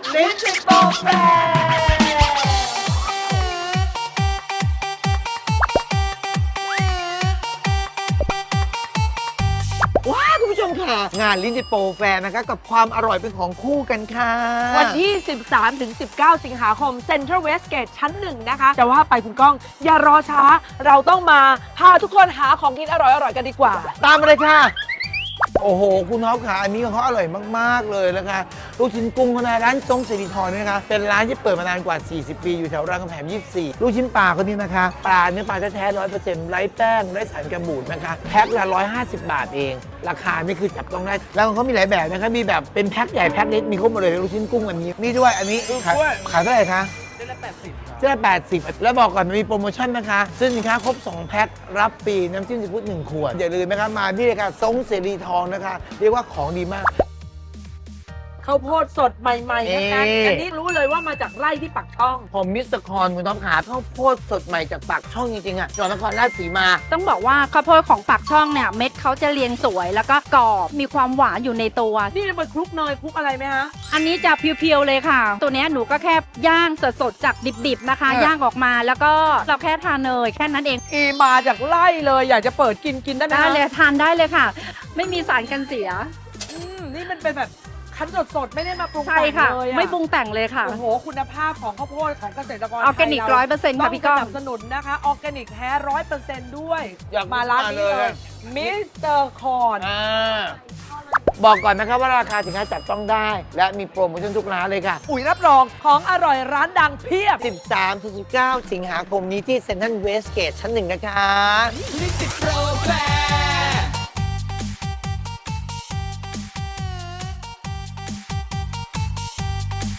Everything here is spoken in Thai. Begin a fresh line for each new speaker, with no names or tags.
ลิ้นจิตโปรแฟว้าคุณผู้ชมค่ะ งานลิ้นจิตโปรแฟร์นะคะกับความอร่อยเป็นของคู่กันค่ะ
วันที่ 13-19 สิงหาคม Central Westgate ชั้น 1 นะคะ จะว่าไปคุณก้อง อย่ารอช้า เราต้องมาพาทุกคนหาของกินอร่อยๆ กันดีกว่า
ตามมาเลยค่ะ โอ้โห คุณท็อปค่ะ อันนี้ของเขาอร่อยมาก ๆ เลยนะคะลูกชิ้นกุ้งเขานะร้านทรงสิริธรเนี่ยนะคะ เป็นร้านที่เปิดมานานกว่า 40 ปี อยู่แถวรามคำแหง24 ลูกชิ้นปลาคนนี้นะคะ ปลาเนื้อปลาแท้ๆ 100%ไร้แป้ง ไร้สารกันบูดนะคะ แพ็คละ150 บาทเอง ราคานี่คือจับต้องได้ แล้วของเขามีหลายแบบนะคะ มีแบบเป็นแพ็คใหญ่แพ็คเล็ก มีครบหมดเลยลูกชิ้นกุ้งแบบนี้นี่ด้วย อันนี้ขายเท่าไหร่คะเส้นละ80 แล้วบอกก่อนมันมีโปรโมชั่นนะคะซื้อสินค้าครบ 2 แพ็ครับฟรีน้ำจิ้มซีฟู้ด1 ขวด อย่าลืมนะคะมาที่เลยค่ะทรงเสรีทองนะคะ เรียกว่าของดีมาก
ข้าวโพดสดใหม่ๆนะคะ อันนี้รู้เลยว่ามาจากไร่ที่ปักช่อง
ผมมิสเตอร์คอนคุณท็อปขาข้าวโพดสดใหม่จากปากช่องจริงๆอ่ะจังหวัดนครราชสีมา
ต้องบอกว่าข้าวโพดของปากช่องเนี่ยเม็ดเขาจะเรียงสวยแล้วก็กรอบมีความหวานอยู่ในตัว
นี่จะมาคลุกเนยคลุกอะไรไหมฮะ
อันนี้จะเพียวๆเลยค่ะ ตัวเนี้ยหนูก็แค่ย่างสดๆจากดิบๆนะคะ ย่างออกมาแล้วก็เราแค่ทานเนยแค่นั้นเอง
อีมาจากไร่เลยอยากจะเปิดกินได้ไหม
ได้
คะ
เลยทานได้เลยค่ะ ไม่มีสารกันเสีย
นี่มันเป็นแบบคั้นสดๆไม่ได้มาปรุง
ใช่
แต่ง
ค่ะ
เลยอะ
ไม่ปรุงแต่งเลยค่ะ
โอ้โหคุณภาพของข้าวโพดของเกษตรกร
ออร์แกนิก
ไทย
100%ค่ะพี่ก้อง
สนับสนุนนะคะออร์แกนิกแท้100%ด้วย
อยาก
มาร้านนี้
มาเล
เลย ยมิสเตอร์คอน
บอกก่อนนะครับว่าราคาสินค้าจับต้องได้ และมีโปรโมชั่นทุกร้านเลยค่ะ
อุ๋ยรับรองของอร่อยร้านดังเพียบ
13-19 สิงหาคมนี้ที่เซ็นทรัลเวสเกตชั้น 1 นะคะ
ลิสิตโปรแฟ